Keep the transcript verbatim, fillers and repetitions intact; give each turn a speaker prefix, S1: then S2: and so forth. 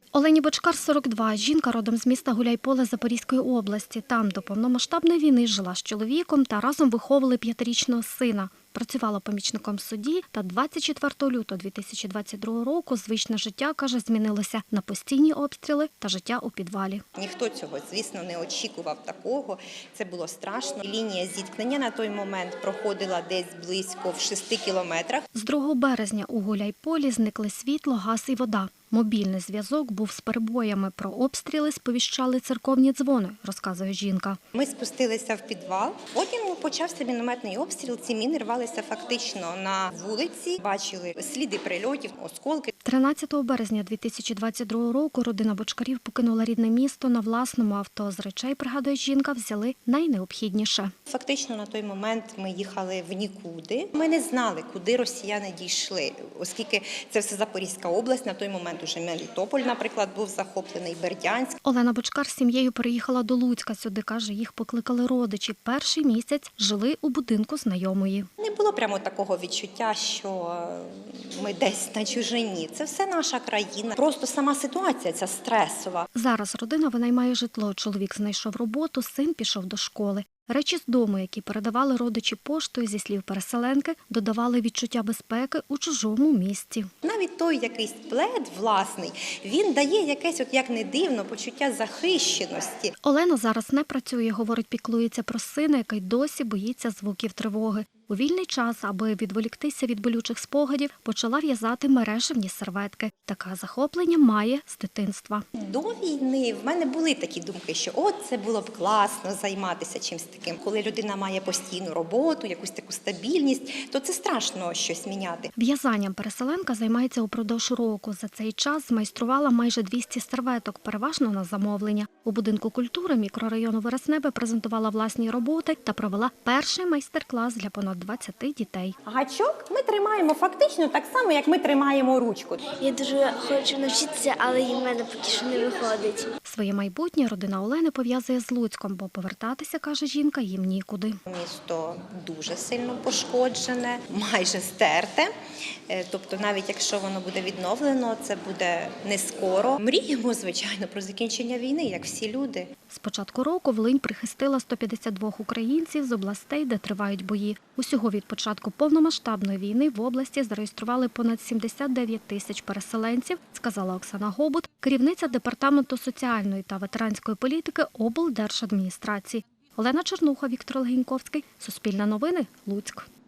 S1: Олені Бочкар, сорок два. Жінка родом з міста Гуляйполе Запорізької області. Там до повномасштабної війни жила з чоловіком та разом виховували п'ятирічного сина. Працювала помічником судді та двадцять четвертого лютого дві тисячі двадцять другого року звичне життя, каже, змінилося на постійні обстріли та життя у підвалі.
S2: Ніхто цього, звісно, не очікував такого. Це було страшно. Лінія зіткнення на той момент проходила десь близько в шести кілометрах.
S1: З другого березня у Гуляйполі зникли світло, газ і вода. Мобільний зв'язок був з перебоями. Про обстріли сповіщали церковні дзвони, розказує жінка.
S2: Ми спустилися в підвал, потім почався мінометний обстріл. Ці міни рвалися фактично на вулиці, бачили сліди прильотів, осколки.
S1: тринадцятого березня дві тисячі двадцять другого року родина Бочкарів покинула рідне місто на власному авто. З речей, пригадує жінка, взяли найнеобхідніше.
S2: Фактично на той момент ми їхали в нікуди. Ми не знали, куди росіяни дійшли, оскільки це все Запорізька область, на той момент уже Мелітополь, наприклад, був захоплений, Бердянськ.
S1: Олена Бочкар з сім'єю переїхала до Луцька. Сюди, каже, їх покликали родичі. Перший місяць жили у будинку знайомої.
S2: Не було прямо такого відчуття, що ми десь на чужині. Це все наша країна. Просто сама ситуація ця стресова.
S1: Зараз родина винаймає житло. Чоловік знайшов роботу, син пішов до школи. Речі з дому, які передавали родичі поштою, зі слів переселенки, додавали відчуття безпеки у чужому місті.
S2: Навіть той якийсь плед власний, він дає якесь, от як не дивно, почуття захищеності.
S1: Олена зараз не працює, говорить, піклується про сина, який досі боїться звуків тривоги. У вільний час, аби відволіктися від болючих спогадів, почала в'язати мережевні серветки. Таке захоплення має з дитинства.
S2: До війни в мене були такі думки, що от це було б класно займатися чимось таким. Коли людина має постійну роботу, якусь таку стабільність, то це страшно щось міняти.
S1: В'язанням переселенка займається упродовж року. За цей час змайструвала майже двісті серветок, переважно на замовлення. У будинку культури мікрорайону Вересневе презентувала власні роботи та провела перший майстер-клас для понад двадцяти дітей.
S2: Гачок ми тримаємо фактично так само, як ми тримаємо ручку.
S3: Я дуже хочу навчитися, але і в мене поки що не виходить.
S1: Своє майбутнє родина Олени пов'язує з Луцьком, бо повертатися, каже жінка, їм нікуди.
S2: Місто дуже сильно пошкоджене, майже стерте. Тобто навіть якщо воно буде відновлено, це буде не скоро. Мріємо, звичайно, про закінчення війни, як всі люди.
S1: З початку року Волинь прихистила сто п'ятдесят два українців з областей, де тривають бої. Усього від початку повномасштабної війни в області зареєстрували понад сімдесят дев'ять тисяч переселенців, сказала Оксана Гобут, керівниця Департаменту соціальної та ветеранської політики облдержадміністрації. Олена Чернуха, Віктор Легеньковський. Суспільне новини. Луцьк.